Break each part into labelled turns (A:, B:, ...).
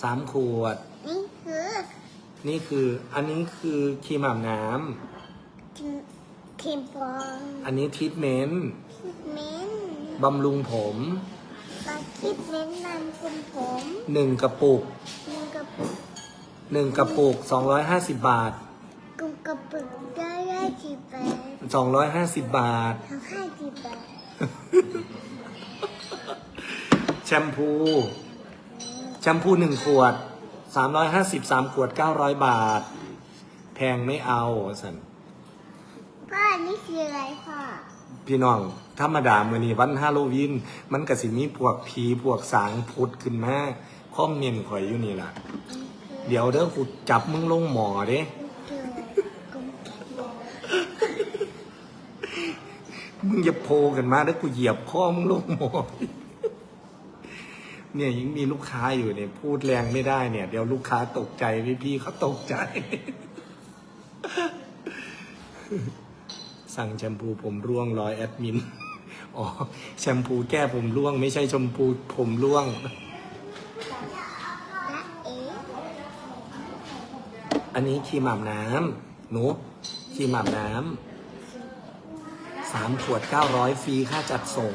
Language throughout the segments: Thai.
A: 3 ขวด นี่คือ อันนี้คือครีมอาบน้
B: ครีมปอง
A: ำ อันนี้ทรีทเมนต์
B: เม้น
A: บำรุงผม
B: ปาคิดเม้นนานคุมผม
A: 1 กระปุก
B: มึงกระปุก
A: 1 กระปุก 250 บาท
B: กุมกระปุกได้กี่บาท
A: 250 บาท
B: ทำให้กี่บาท
A: แชมพู 1 ขวด 350 3 ขวด 900 บาท แพงไม่เอาสัน
B: พ่อนี่คืออะไรพ่อ
A: พี่น้องธรรมดามื้อนี้วันฮาโลวีนมันก็สิมีพวกผีพวกสางพุดขึ้นมาคอมเมนต์ข่อยอยู่นี่ล่ะ เดี๋ยวเด้อกูจับมึงลงหมอเด้ มึงอย่าโพกันมาแล้วกูเหยียบข้อมึงลงหมอ เนี่ยยังมีลูกค้าอยู่เนี่ยพูดแรงไม่ได้เนี่ย เดี๋ยวลูกค้าตกใจพี่เขาตกใจ สั่งแชมพูผมร่วง100 แอดมิน อ๋อแชมพูแก้ผมร่วง ไม่ใช่แชมพูผมร่วง อันนี้ครีมอาบน้ำหนูครีมอาบน้ำ3 ขวด 900 ฟรีค่าจัดส่ง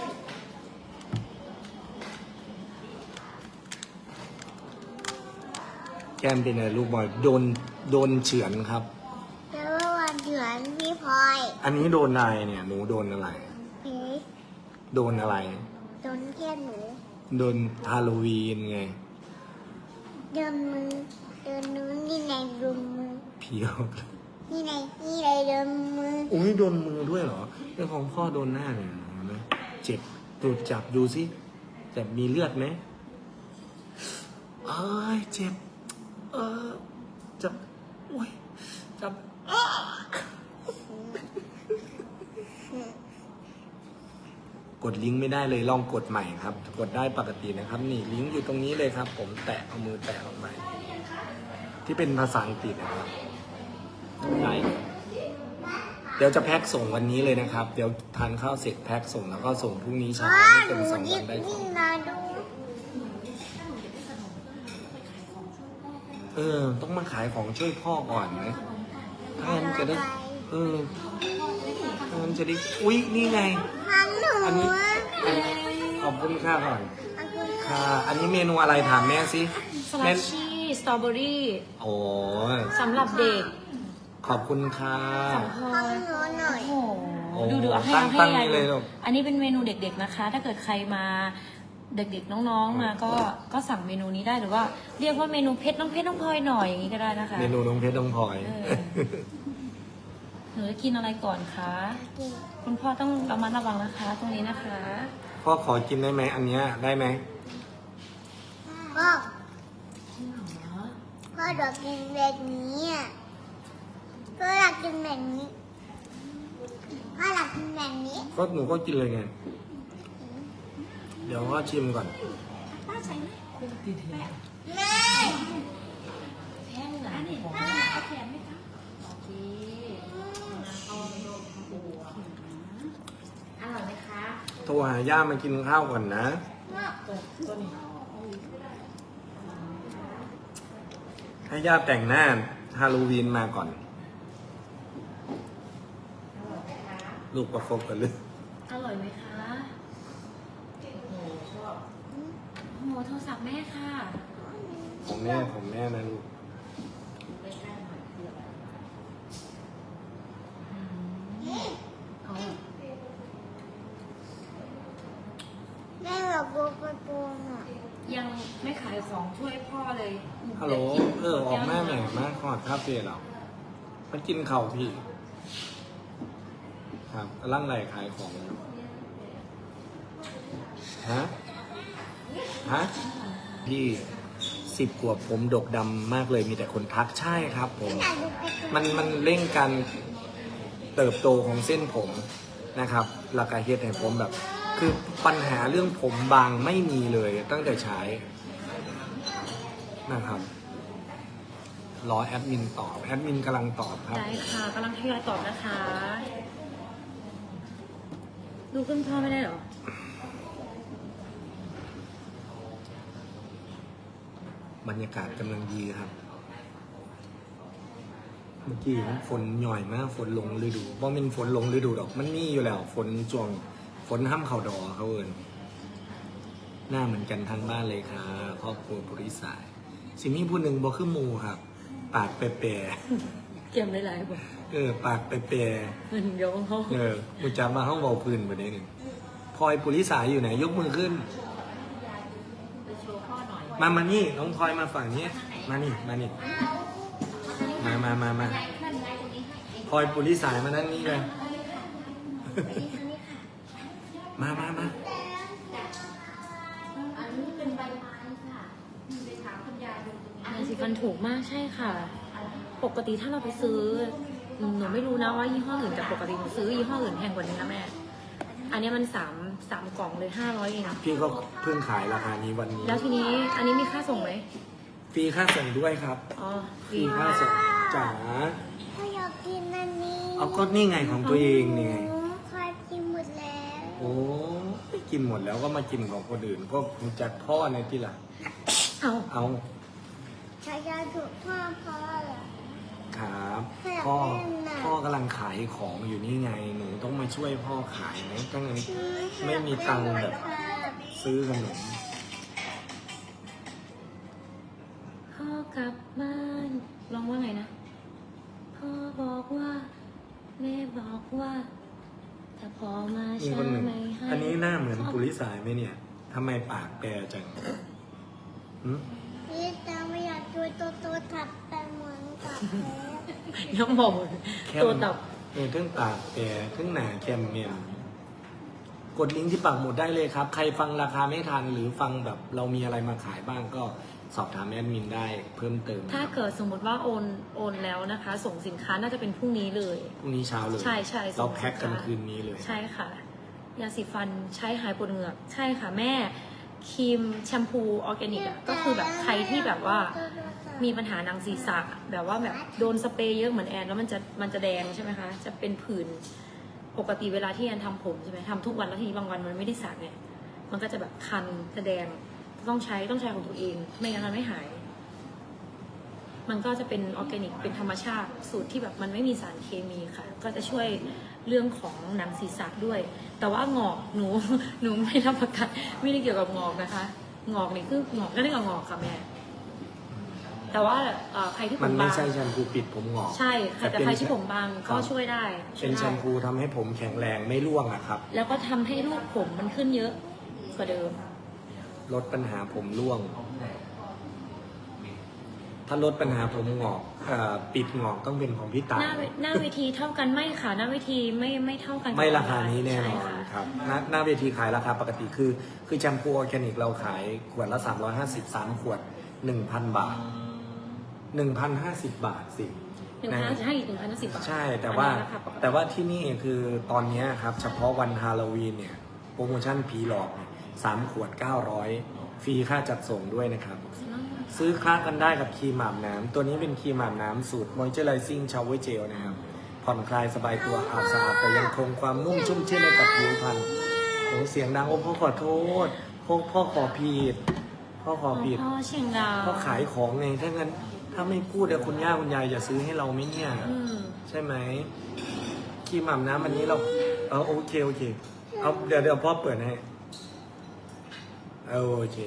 A: แก้มเป็นอะไรลูกบอยโดนเฉือนครับ
B: แล้ววันเดือนพี่พลอย
A: อันนี้โดนอะไรเนี่ย หนูโดนอะไร
B: พี่
A: โดนอะไร
B: โดนแก้มหนู
A: โดนฮาโลวีนไง
B: เดินมือเดินนู้นนี่ในดุมมือ
A: เพียว
B: นี่ในเดินมือ
A: อุ้ยโดนมือด้วยเหรอเรื่องของพ่อโดนหน้าเนี่ยเห็นไหมเจ็บตูดจับดูสิแต่มีเลือดไหมเอ้ยเจ็บ จับอุ้ยจับกดลิงก์ไม่ได้เลยลองกดใหม่ครับ กดได้ปกตินะครับ นี่ลิงก์อยู่ตรงนี้เลยครับ ผมแตะเอามือแตะออกไปที่เป็นภาษาอังกฤษนะครับได้เดี๋ยวจะแพ็คส่งวันนี้เลยนะครับ เดี๋ยวทานข้าวเสร็จแพ็คส่งแล้วก็ส่งพรุ่งนี้เช้า
B: พ่อ
A: ไม่
B: ห
A: เกิ
B: นู
A: น2
B: ยิ
A: วั
B: บ
A: นได้ข
B: นี่
A: อง
B: มาดู
A: ต้องมาขายของช่วยพ่อก่อนนะถ้างั้นจะได้ถ้างั้นจะได้อุ๊ยนี่ไง
B: พันหนู
A: อันนี้ขอบคุณค่าก่อน
B: อันคุณ
A: ค่ะ อันนี้เมนูอะไรถามแม่สิ
C: สลั
A: แม่
C: ดชีสตรอเบอรี่
A: โอ้
C: สำหรับเด็ก
A: ขอบคุณค่ะ
C: ของพลอ
B: พัน
C: ย
B: หนูหน่อย
C: โอ้โห
A: โอ้
C: ดูให้
A: ตั้ง
C: ให้
A: นี่เลยลูก
C: อันนี้เป็นเมนูเด็กๆนะคะ ถ้าเกิดใครมาเด็กๆน้องๆมาก็สั่งเมนูนี้ได้หรือว่า เรียกว่าเมนูเพชรน้องพลอยหน่อยอย่างนี้ก็ได้นะคะ
A: เมนูน้องเพชรน้องพลอย
C: เออ หนูจะกินอะไรก่อนคะ คุณพ่อต้องระมัดระวังนะคะ ตรงนี้นะคะ
A: พ่อขอกินได้ไหมอันเนี้ยได้ไหม
B: พ่อพ่ออยากกินแบบนี้อ่ะพ่ออยากกินแบบนี้พ่ออยากกินแบบนี้
A: ก็หนูก็กินเลยไง เดี๋ยวพ่อชิมก่อน
B: แม่
C: แห้งหนาของโอเคอร่อยไหมคะ
A: โทรหาย่ามากินข้าวก่อนนะ ให้ย่าแต่งหน้าฮาโลวีนมาก่อน ลูกประคบกันเลย
C: อร่อยไหมคะโอ้โหโทรศัพท์แม่ค่ะ
A: ของแม่นะลูก
C: เอา
B: แม่อยากดูการ์ตูนอ่ะ
C: ยังไม่ขายของช่วยพ่อเลย
A: ฮัลโหล ออกมาแม่มาขอดคาเฟ่เรามากินเข่าวพี่ ครับกำลังไหลขายของอยู่ฮะ พี่10 ขวบผมดกดำมากเลยมีแต่คนทักใช่ครับผม
B: อยากดูการ์ตูน
A: มันเร่งการเติบโตของเส้นผมนะครับหลักการเฮ็ดให้ผมแบบ คือปัญหาเรื่องผมบางไม่มีเลยตั้งแต่ใช้นะครับรอแอดมินตอบแอดมินกำลังตอบครับ
C: ได้ค่ะกำลังทยอยตอบนะคะ ดูขึ้นพ่อไม่ได้เหรอ
A: บรรรยากาศกำลังดีครับ เมื่อกี้ฝนหน่อยมากฝนลงฤดูว่ามันฝนลงฤดูดอกมันนี่อยู่แล้วฝนช่วงฝนห้ำเข่าดอเขาเอินหน้าเหมือนกันทั้งบ้านเลยค่ะครอบครัวบริษัทสิมีผู้หนึ่งบอกคือหมูครับ ปากแปร
C: เก็บหลายๆบอก
A: ปากแปร
C: มันเดี๋ยวเขา
A: มุจามาห้องเบาพื้นประเด็นหนึ่งพลอยปุริสายอยู่ไหนยกมือขึ้น มานี่น้องพลอยมาฝั่งนี้มานี่มาพลอยปุริสายมานั่นนี่เลยมา
C: อันนี้เป็นใบไม้ค่ะไปถามคุณยายดูตรงนี้ยาสีฟันถูกมากใช่ค่ะ ปกติถ้าเราไปซื้อหนูไม่รู้นะว่ายี่ห้ออื่นแต่ปกติหนูซื้อยี่ห้ออื่นแพงกว่านี้นะแม่ อันนี้มันสามกล่องเลย500เอง
A: พี่ก็เพิ่งขายราคานี้วันนี้
C: แล้วทีนี้อันนี้มีค่าส่งไหม
A: ฟรีค่าส่งด้วยครับ
C: อ๋อ
A: ฟรีค่าส่งจ๋า
B: ถ้าอยากกินอันนี้
A: เอาก็นี่ไงของตัวเองนี่ไง
B: คอยกินหมดแล้ว
A: โอ้ยกินหมดแล้วก็มากินของคนอื่นก็รู้จักพ่อในที่หลัง
C: เอา
A: เอา
B: ชายาถูกพ่อเหรอ
A: ครับ
B: อยาก
A: พ่อ
B: เล่นน่ะ
A: พ่อกำลังขายของอยู่นี่ไงหนูต้องมาช่วยพ่อขายไหมก็งั้นไม่มีตังค์แบบซื้อขนม
C: พ่อกลับบ้านลองว่าไงนะพ่อบอกว่าแม่บอกว่าแต่พอมา
A: มี
C: ช้า
A: คนหนึ่ง
C: ไม่ให้
A: อันนี้หน้าเหมือนปุริสายไหมเนี่ยทำไมปากแปรจังหึ
B: พี่ตาไม่อยากดูตัวทับไปเหมือนกับแพ้
C: น้ำบอก
A: แค่
C: ตัวตับ
A: เครื่องปากแปรเครื่องหนาแคมเมมกดลิงก์ที่ปักหมุดได้เลยครับ ใครฟังราคาไม่ทันหรือฟังแบบเรามีอะไรมาขายบ้างก็สอบถามแอดมินได้เพิ่มเติม
C: ถ้าเกิดสมมติว่าโอนแล้วนะคะ ส่งสินค้าน่าจะเป็นพรุ่งนี้เลย
A: พรุ่งนี้เช้าเลย
C: ใช่ส่
A: เรา
C: ง
A: แพ็คกัน
C: สิค้า
A: คืนนี้เลย
C: ใช่ค่ะยาสีฟันใช้หายปวดเหงือกใช่ค่ะแม่ครีมแชมพูออร์แกนิกอะก็คือแบบใครที่แบบว่ามีปัญหาหนังศีรษะแบบว่าแบบโดนสเปรย์เยอะเหมือนแอนแล้วมันจะแดงใช่ไหมคะจะเป็นผื่นปกติเวลาที่แอนทำผมใช่ไหมทำทุกวันแล้วทีนี้บางวันมันไม่ได้สระเนี่ยมันก็จะแบบคันจะแดงต้องใช้ของตัวเองไม่งั้นมันไม่หาย มันก็จะเป็นออร์แกนิกเป็นธรรมชาติสูตรที่แบบมันไม่มีสารเคมีค่ะ ก็จะช่วยเรื่องของหนังศีรษะด้วย แต่ว่างอกหนู หนูไม่รับประกันไม่ได้เกี่ยวกับงอกนะคะ งอกนี่คืองอกก็ได้กับงอกค่ะแม่แต่ว่าใครที่ผ
A: มัน
C: ม
A: ไม่
C: บาง
A: ใช่แชมพูปิดผมหงอก
C: ใช่ค่ะแต่ใครที่ผมบางก็
A: ครับ
C: ช่วยได้
A: เป็นแชมพูทำให้ผมแข็งแรงไม่ร่วงอะครับ
C: แล้วก็ทำให้รูปผมมันขึ้นเยอะกว่าเดิม
A: ลดปัญหาผมร่วง ถ้าลดปัญหาผมหงอกปิดหงอกต้องเป็นของพี่ตา
C: หน้าเวทีเท่ากันไม่ค่ะหน้าเวทีไม่เท่ากันกับ
A: ไม่ราคานี้แน่น
C: ใช่
A: อน
C: ค่ะ
A: ครับหน้าเวทีขายราคาปกติคือแชมพูออร์แกนิกเราขายขวดละ350 3ขวด 1,000 บาท 1,050 บาทสิ
C: 1,000จะให้อีก1,010 บาท
A: ใช่แต่ว่า
C: อันนี้ราคาปกติ
A: แต่ว่าที่นี่คือตอนนี้ครับเฉพาะวันฮาโลวีนเนี่ยโปรโมชั่นผีหลอกเนี่ย3ขวด 900 ฟรีค่าจัดส่งด้วยนะครับ ซื้อคลากันได้กับครีมอาบน้ำตัวนี้เป็นครีมอาบน้ำสูตร Moisturizing Shower Gel นะครับผ่อนคลายสบายตัวอาบสะอาดแต่ยังคงความนุ่มชุ่มชื่นให้กับผิวพรรณโอ้เสียงดังโอ้พ่อขอโทษพ่อขอผิดพ่อขอผิด
C: พ่อเชียงดาว
A: พ่อขายของไงถ้างั้นถ้าไม่พูดเดี๋ยวคุณย่าคุณยายจะซื้อให้เราไหมเนี่ย
C: อืม
A: ใช่ไหมครีมอาบน้ำอันนี้เราโอเคเอาเดี๋ยวพ่อเปิดให้โอเค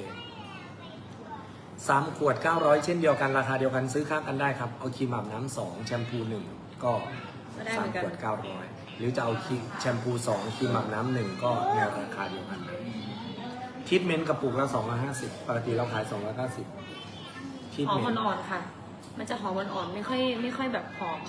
A: 3ขวด 900 เช่นเดียวกันราคาเดียวกันซื้อข้างกันได้ครับเอาครีมอาบน้ำ2แชมพู1ก็
C: ก็ได้เหมือน
A: 3
C: กัน
A: ขวด 900 หรือจะเอาแชมพู2ครีมอาบน้ำ1ก็ในราคาเดียวกันเลยทรีทเมนต์กระปุกละ250ปกติเราขาย290ทรีท
C: หอ
A: เม
C: ม
A: นต์
C: อ่อนๆค่ะ มันจะหอมอ่อนๆไม่ค่อยแบบหอ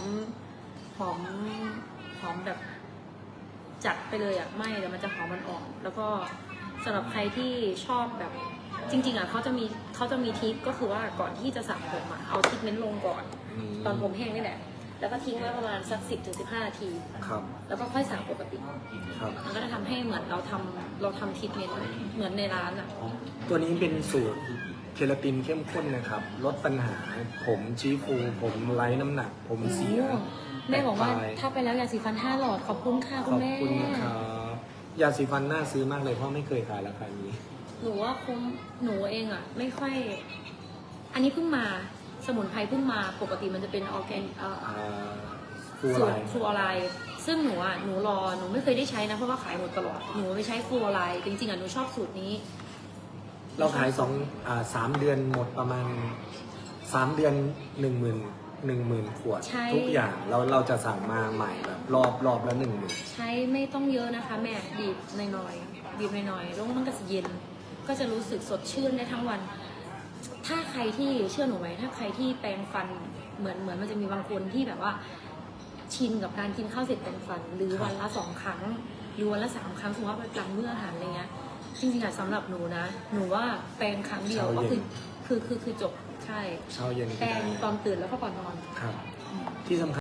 C: มแบบจัดไปเลยอ่ะไม่แต่มันจะหอมอ่อนๆแล้วก็สำหรับใครที่ชอบแบบจริงๆอ่ะเขาจะมีทิปก็คือว่าก่อนที่จะสระผมอ่ะเอาทรีทเมนต์ลงก่อน ตอนผมแห้งนี่แหละ แล้วก็ทิ้งไว้ประมาณสัก10-15 นาที
A: ครับ
C: แล้วก็ค่อยสระปกติ
A: ครับ
C: มันก็จะทำให้เหมือนเราทำทรีทเมนต์เหมือนในร้านอ่ะ
A: ตัวนี้เป็นสูตรเคลาตินเข้มข้นนะครับ ลดปัญหาผมชี้ฟูผมไร้น้ำหนัก ผมเสีย
C: แม่บอกว่า
A: ตปลย
C: ถ้าไปแล้วยาสีฟัน5 หลอดขอบคุณค่ะ
A: ข
C: คุณ
A: อบ
C: แม่
A: คุณครับยาสีฟันน่าซื้อมากเลยเพราะไม่เคยขายราคานี้
C: หนูว่าหนูเองอ่ะไม่ค่อยอันนี้เพิ่งมาสมุนไพรเพิ่งมาปกติมันจะเป็นออร์แกน
A: ฟู
C: สู
A: ไล
C: ตรฟลูออไรด์ซึ่งหนูหนูไม่เคยได้ใช้นะเพราะว่าขายหมดตลอดหนูไปใช้ฟลูออไรด์จริงๆหนูชอบสูตรนี้
A: เราขาย3 เดือนหมดประมาณ3 เดือน10,000 ขวด
C: ใช่
A: ทุกอย่างเราจะสั่งมาใหม่แบบรอบละ10,000
C: ใช้ไม่ต้องเยอะนะคะแม่บีบหน่อยๆบีบหน่อยๆแล้วมันก็จะเย็นก็จะรู้สึกสดชื่นได้ทั้งวัน ถ้าใครที่เชื่อหนูไหมถ้าใครที่แปรงฟันเหมือนมันจะมีบางคนที่แบบว่าชินกับการกินข้าวเสร็จแปรงฟัน หรือวันละ2 ครั้ง หรือวันละ3 ครั้งสมมติว่าหลังมื้ออาหารอะไรเงี้ยจริงๆอะสำหรับหนูนะหนูว่าแปรงครั้งเดียวก็คือจบใช่
A: เช้าเย็น
C: แปรงตอนตื่นแล้วก็ก่อนนอน
A: ครับ ที่สำคัญ